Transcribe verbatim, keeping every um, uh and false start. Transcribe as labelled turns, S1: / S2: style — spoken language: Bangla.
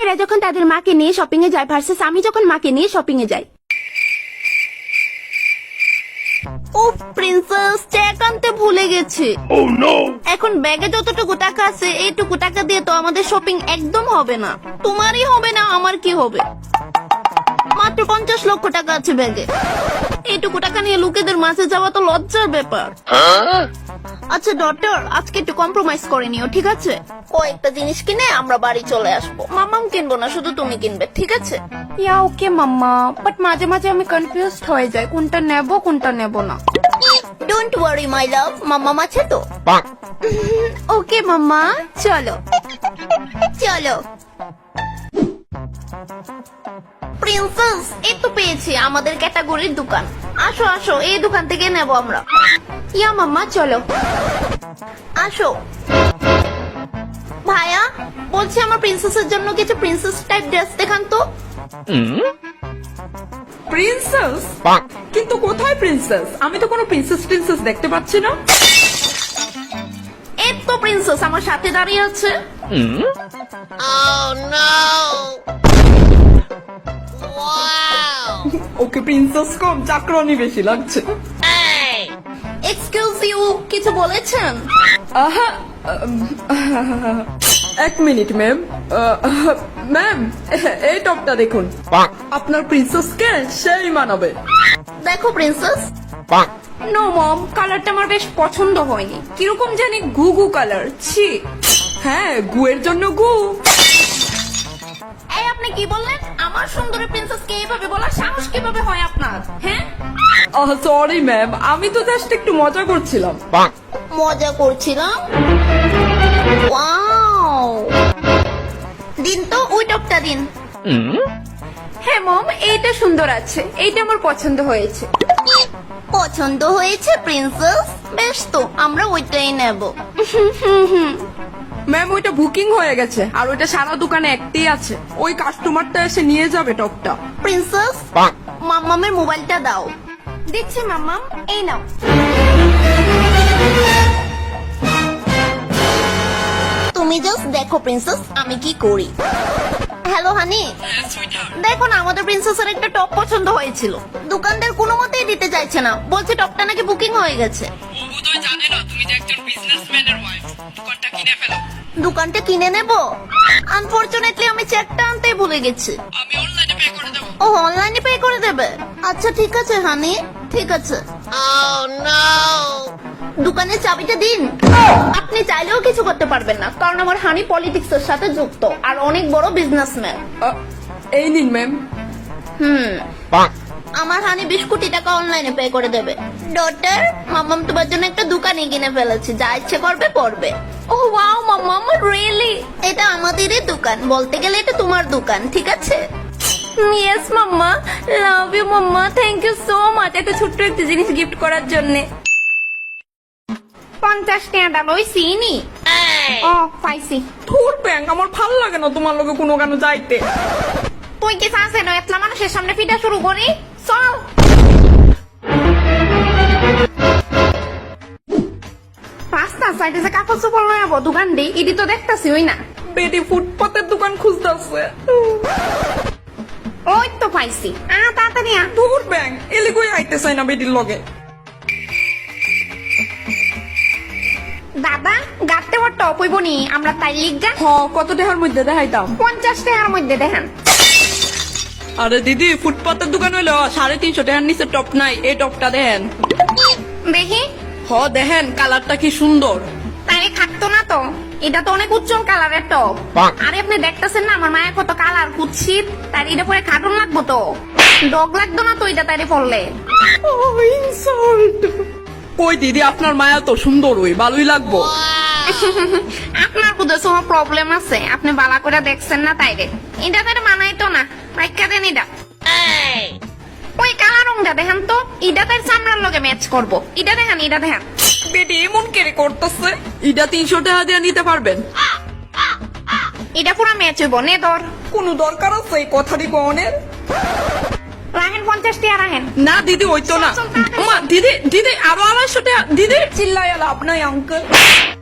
S1: বাচ্চারা যখন তাদের মাকে নিয়ে শপিং এ যায় ভার্সেস আমি যখন মাকে নিয়ে শপিং এ যাই। ও প্রিন্সেস, চেক আনতে ভুলে গেছি। এখন ব্যাগে যতটুকু টাকা আছে এইটুকু টাকা দিয়ে তো আমাদের শপিং একদম হবে না। তোমারই হবে না, আমার কি হবে? মাত্র পঞ্চাশ লক্ষ টাকা আছে ব্যাগে। এইটুকু টাকা নিয়ে লোকেদের মাঝে যাওয়া তো লজ্জার ব্যাপার। আচ্ছা ডক্টর, আজকে একটু কম্প্রোমাইজ করে নিও, ঠিক আছে? কয়েকটা জিনিস কিনে আমরা বাড়ি চলে আসবো। মামাম কিনবো না, শুধু তুমি কিনবে, ঠিক আছে? ইয়া ওকে মাম্মা, বাট মাঝে মাঝে আমি কনফিউজড হয়ে যাই কোনটা নেব কোনটা নেব না। ডোন্ট ওয়ারি মাই লাভ, মাম্মাম আছে তো। ওকে মাম্মা, চলো চলো। প্রিন্সেস, এই তো পেয়েছি আমাদের ক্যাটাগরির দোকান। আসো আসো, এই দোকান থেকে নেব আমরা। ইয়া মাম্মা, চলো আসো। ভাইয়া বলছি আমার প্রিন্সেসের জন্য কিছু প্রিন্সেস টাইপ ড্রেস দেখান তো।
S2: প্রিন্সেস? কিন্তু কোথায় প্রিন্সেস? আমি তো কোনো প্রিন্সেস প্রিন্সেস দেখতে পাচ্ছি না।
S1: এই তো প্রিন্সেস আমার সাথে দাঁড়িয়ে আছে।
S2: ওকে প্রিন্সেস কম, চাকরানি বেশি লাগছে।
S1: এক্সকিউজ ইউ, কিছু বলেছেন?
S2: আহা, এক মিনিট ম্যাম। ম্যাম, এই টপটা দেখুন, আপনার প্রিন্সেসকে সেই মানাবে।
S1: দেখো প্রিন্সেস।
S2: নো মম, কালারটা আমার বেশ পছন্দ হয়নি। কিরকম জানি গু গু কালার। ছি। হ্যাঁ, গুয়ের জন্য গু।
S1: এই আপনি কি বললেন? আমার সুন্দরী প্রিন্সেসকে এইভাবে বলার সাহস কিভাবে হয় আপনার? হ্যাঁ,
S2: সরি ম্যাম, আমি তো জাস্ট একটু মজা করছিলাম।
S1: মজা করছিলাম। ওয়াও, দিন তো ওই টপটা দিন।
S2: হ্যাঁ মম, এইটা সুন্দর আছে, এইটা আমার পছন্দ হয়েছে।
S1: পছন্দ হয়েছে প্রিন্সেস? বেশ তো, আমরা ওইটাই নেব।
S2: ম্যাম, ওইটা বুকিং হয়ে গেছে, আর ওইটা সারা দোকানে একটাই আছে। ওই কাস্টমারটা এসে নিয়ে যাবে টপটা।
S1: প্রিন্সেস, মাম্মামের মোবাইলটা দাও। দিচ্ছি মাম্মাম, এই নাও। তুমি জাস্ট দেখো প্রিন্সেস আমি কি করি। হ্যালো হানি, দেখো না আমাদের প্রিন্সেসের একটা টপ পছন্দ হয়েছিল। দোকানদার কোনো মতেই দিতে চাইছে না, বলছে টপটা নাকি বুকিং হয়ে গেছে। দোকানটা কিনে নেব? আনফরচুনেটলি আমি চেকটা আনতেই ভুলে গেছি। ও অনলাইনে পে করে দেবে? আচ্ছা ঠিক আছে হানি, ঠিক আছে। দোকানের চাবিটা দিন। আপনি চাইলেও কিছু করতে পারবেন না, কারণ আমার হানি পলিটিক্স এর সাথে যুক্ত আর অনেক বড় বিজনেসম্যান।
S2: এই নিন ম্যাম।
S1: হুম, আমার হানি বিশ কোটি টাকা অনলাইনে পে করে দেবে। ডটার, মাম্মাম তোমার জন্য একটা দোকানে কিনে ফেলেছি, যা ইচ্ছে করবে করবে। ও ওয়াও মাম্মাম, রিয়েলি? এটা আমাদেরই দোকান, বলতে গেলে এটা তোমার দোকান, ঠিক আছে? Yes mamma, love you mamma, thank you so much এত ছোট্ট একটা জিনিস গিফট করার জন্য। পঞ্চাশ টাকা ওই সিনি। ও পাইছি।
S2: ধুর ব্যাং, আমার ভালো লাগে না তোমার লগে কোনো গান যাইতে।
S1: তুই কি চাস না এতলা মানুষের সামনে পিটা শুরু করি? চল। রাস্তা সাইডে যে কাপড় চোপড় লয়ে যাবো দোকান দিই, ইডি তো দেখতাছি ওই না।
S2: বেটি ফুটপাতের দোকান খুঁজতেছে।
S1: ওই তো পাইছি, আ তাড়াতাড়ি আ।
S2: ধুর ব্যাং, এলি কই আইতে চাই না বেটির লগে।
S1: দাদা, গাতে ওর টপ হইব নি, আমরা তাই লিখ যা।
S2: হ, কত টাকার মধ্যে দেখাইতাম?
S1: পঞ্চাশ টাকার মধ্যে দেখেন।
S2: আরে দিদি, ফুটপাতের দোকান হইলো সাড়ে তিনশো টাকার নিচে টপ নাই। এই টপটা দেখেন।
S1: দেখি।
S2: হ দেখেন, কালারটা কি সুন্দর।
S1: তাই থাকতো না তো, এটা তো অনেক উজ্জ্বল কালারের টপ। আরে আপনি দেখতেছেন না আমার মায়ের কত কালার কুৎসিত, তার এটা পরে কার্টুন লাগবো তো। ডগ লাগতো না তো এটা তাইরে পড়লে।
S2: কই দিদি, আপনার মায়া তো সুন্দর, ওই ভালোই লাগবো।
S1: আপনার কোথাও কোনো প্রবলেম আছে, আপনি বালা করে দেখছেন না তাইরে। এটা তাইরে মানাই তো না, রাইখা দেন এটা। ওই কালা রংটা দেখেন তো, এটা তার চামড়ার লগে ম্যাচ করবো। এটা দেখেন, এটা দেখেন।
S2: বেটি এমন কেড়ে করতেছে। এটা তিনশো টাকা দিয়ে নিতে পারবেন?
S1: এটা পুরো ম্যাচ হইব, নে ধর।
S2: কোনো দরকার আছে এই কথাটি কনের?
S1: রাখেন পঞ্চাশ টাকা রাখেন।
S2: না দিদি, ওই তো না। মা দিদি, দিদি আরো আড়াইশো টাকা। দিদি চিল্লাই লাভ নাই আঙ্কেল।